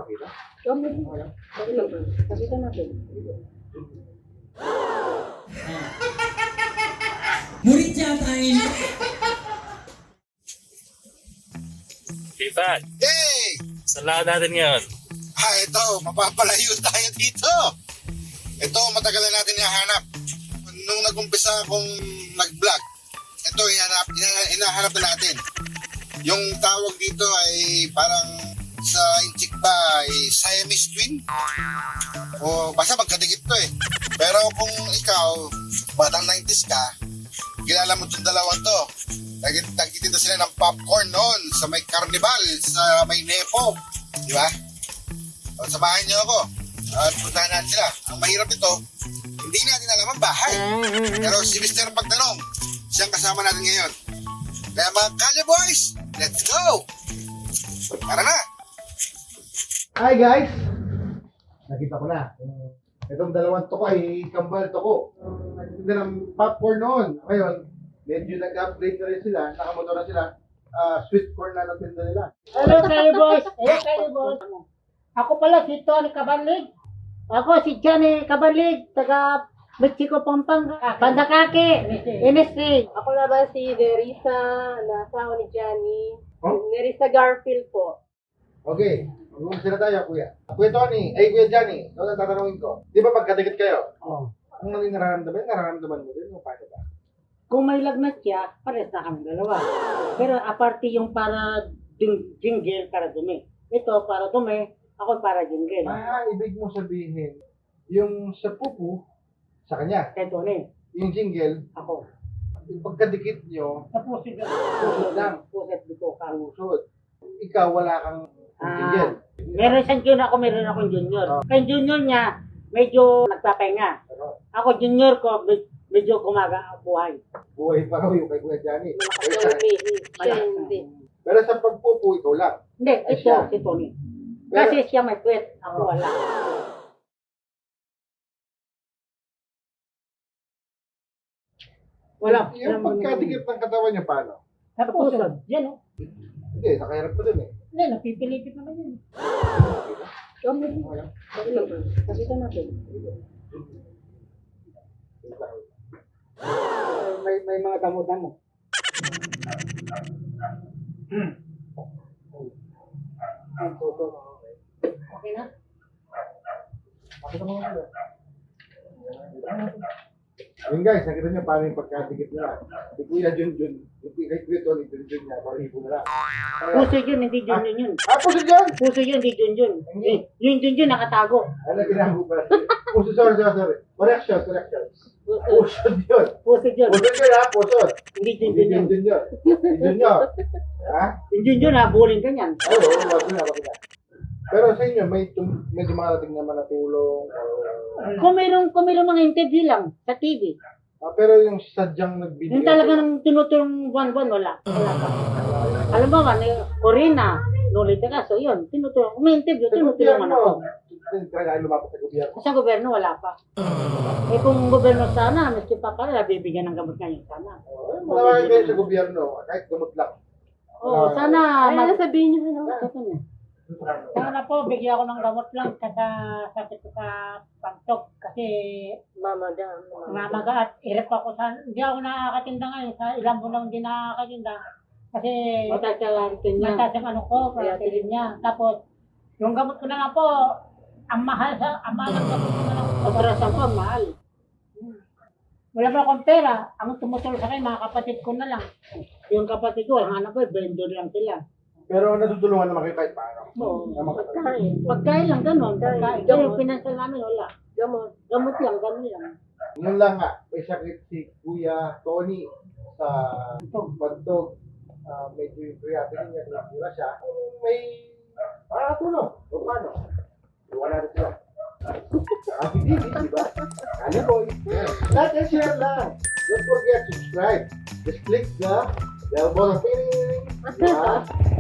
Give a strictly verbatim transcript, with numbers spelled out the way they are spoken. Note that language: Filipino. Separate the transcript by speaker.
Speaker 1: pakita?
Speaker 2: Kami. Pakita natin.
Speaker 3: Murid yata yun.
Speaker 4: Ivan,
Speaker 5: Hey!
Speaker 4: saan lahat natin ngayon?
Speaker 5: Ah, ito, mapapalayo tayo dito. Ito, matagal na natin hinahanap. Nung nag-umpisa akong nag-vlog, ito, hinahanap, hinahanap na natin. Yung tawag dito ay parang sa inchik ba ay Siamese twin? O basta magkadikit to eh. Pero kung ikaw, batang nineties ka, kilala mo itong dalawa to. Nag- Nagtitinda sila ng popcorn noon sa may carnival, sa may Nepo. Di ba? O, samahan niyo ako. At puntahan natin sila. Ang mahirap nito, hindi natin alam ang bahay. Pero si mister Pagtanong, siyang kasama natin ngayon. Kaya mga Kalye Boys, let's go! Tara na!
Speaker 1: Hi guys! Nakita ko na. Itong dalawang toko ay kambal toko. Nagtitinda ng popcorn noon. Ngayon, medyo nag-upgrade na rin sila. Nakamotor na sila. Ah, sweet corn na natinda nila.
Speaker 2: Hello kayo boys. Hello kayo boys. Ako pala si Tony Cabanlig. Ako si Johnny Cabanlig, taga Mexico, Pampanga. Bandakake, M S C.
Speaker 6: Ako naman si Nerissa, na asawa ni Johnny.
Speaker 1: Oh?
Speaker 6: Nerissa Garfield po.
Speaker 1: Okay. Mag-umpisa na tayo, kuya. Kuya Tony, ay kuya Johnny, ito na tatanungin ko. Di ba pagkadikit kayo?
Speaker 2: Oh.
Speaker 1: Kung ano yung nararamdaman, nararamdaman mo din yung paano ba?
Speaker 2: Kung may lagnat siya, pares na kami dalawa. Pero aparte yung para ding jingle para dumi. Ito para dumi, ako para jingle.
Speaker 1: Ah, ibig mo sabihin, yung sa pupu, sa kanya.
Speaker 2: Kay Tony,
Speaker 1: Yung jingle,
Speaker 2: ako.
Speaker 1: yung pagkadikit nyo,
Speaker 2: Sa pusit lang.
Speaker 1: pusod lang.
Speaker 2: Pusit dito ka.
Speaker 1: Pusod. Ikaw, wala kang
Speaker 2: Ah,
Speaker 1: jingle.
Speaker 2: meron siyang junior ako, meron akong junior. Kay junior niya, medyo nagpapahinga.
Speaker 1: Ano?
Speaker 2: Ako junior ko, med- medyo kumaga buhay.
Speaker 1: Buhay pa raw yung kay Kuya Johnny.
Speaker 6: Malakas
Speaker 1: Pero
Speaker 6: yung
Speaker 1: sa,
Speaker 6: umihi. Siya hindi.
Speaker 1: pero sa pagpupu, ikaw lang.
Speaker 2: Hindi,
Speaker 1: Ay,
Speaker 2: ito,
Speaker 1: siya.
Speaker 2: si Tony.
Speaker 1: Pero-
Speaker 2: Kasi siya may kwet, ako wala. Wala.
Speaker 1: Yung pagkadikit ng katawan niya, paano?
Speaker 2: Sa pusod. Yan o.
Speaker 1: Hindi, nakahirap ko dun eh.
Speaker 2: Hindi, napipilipit naman yun. Kami. Pakita natin. May, may mga damo-damo. Okay na?
Speaker 1: Pakita mo nga. Yun guys, nakita niyo paano yung pagkadikit nila. Si Kuya Junjun, yung kay Kuya Tony, Junjun niya, paribo na lang.
Speaker 2: Puso yun, hindi Junjun yun.
Speaker 1: Ah, puso dyan!
Speaker 2: Puso yun, hindi Junjun. Eh, yung Junjun nakatago.
Speaker 1: Ano ginagawa pa? Puso, sorry, sorry, sorry. Correction, correction. Puso yun.
Speaker 2: Puso yun.
Speaker 1: Puso yun ha, puso.
Speaker 2: Hindi
Speaker 1: Hindi
Speaker 2: Junjun yun.
Speaker 1: Junjun yun. Junjun yun. Ha?
Speaker 2: Yung Junjun, habulin ka niyan.
Speaker 1: Oo, oo, wag na, wag na. Pero sa inyo, may tum- medyo makarating naman na tulong. or-
Speaker 2: Kung mayroong, kung mayroong mga interview lang sa T V,
Speaker 1: Ah, pero yung sadyang nagbibigay.
Speaker 2: yung talaga nang tinutulong buwan-buwan, wala. Wala pa. Alam mo ba, ni Corina, Nolita ka, so yun, tinutulong. Kung may interview,
Speaker 1: Sa
Speaker 2: tinutulungan
Speaker 1: gobyerno,
Speaker 2: ako.
Speaker 1: talaga kayo lumapit sa gobyerno.
Speaker 2: Sa gobyerno, wala pa. Eh kung gobyerno sana, miski pa pala, bibigyan ng gamot ngayon sana.
Speaker 1: Oh, Malaking kayo sa gobyerno, kahit gamot lang.
Speaker 2: Oo, sana,
Speaker 6: Ay,
Speaker 2: mag-
Speaker 6: nasabihin niyo ano?
Speaker 2: sana po, bigyan ako ng gamot lang kada sakit ko sa pagtok. Kasi
Speaker 6: Mama dam.
Speaker 2: mamaga at irep ako sa, hindi ako nakakatinda ngayon, sa ilang buwan lang hindi nakakatinda. Kasi matasalantin niya. Mataas ang ano ko, karatilin niya. Tapos, yung gamot ko na nga po, ang mahal sa, ang mahal ang gamot ko na lang. Operasan ko, ang mahal. Wala pa akong pera. Ang tumutulong sa akin, mga kapatid ko na lang. Yung kapatid ko, ang hanap ko, vendor lang sila.
Speaker 1: Pero natutulungan naman kayo kahit paano.
Speaker 2: Oo.
Speaker 1: Tama ka.
Speaker 6: Pagkain.
Speaker 2: Pagkain lang, ganun. Pagkain. Kaya yung financial namin, wala.
Speaker 6: Gamot.
Speaker 2: Gamot lang, ganun lang.
Speaker 1: Yun lang nga, may sakit si Kuya Tony sa pagtog. Ah, medyo yung creatinine niya, tinatira siya. Kung may makakatulong, o paano? Iwan natin sila. Ah, hindi, di ba? Kalye Boys. Like and share lang. Don't forget to subscribe. Just click the bell button. Di ba?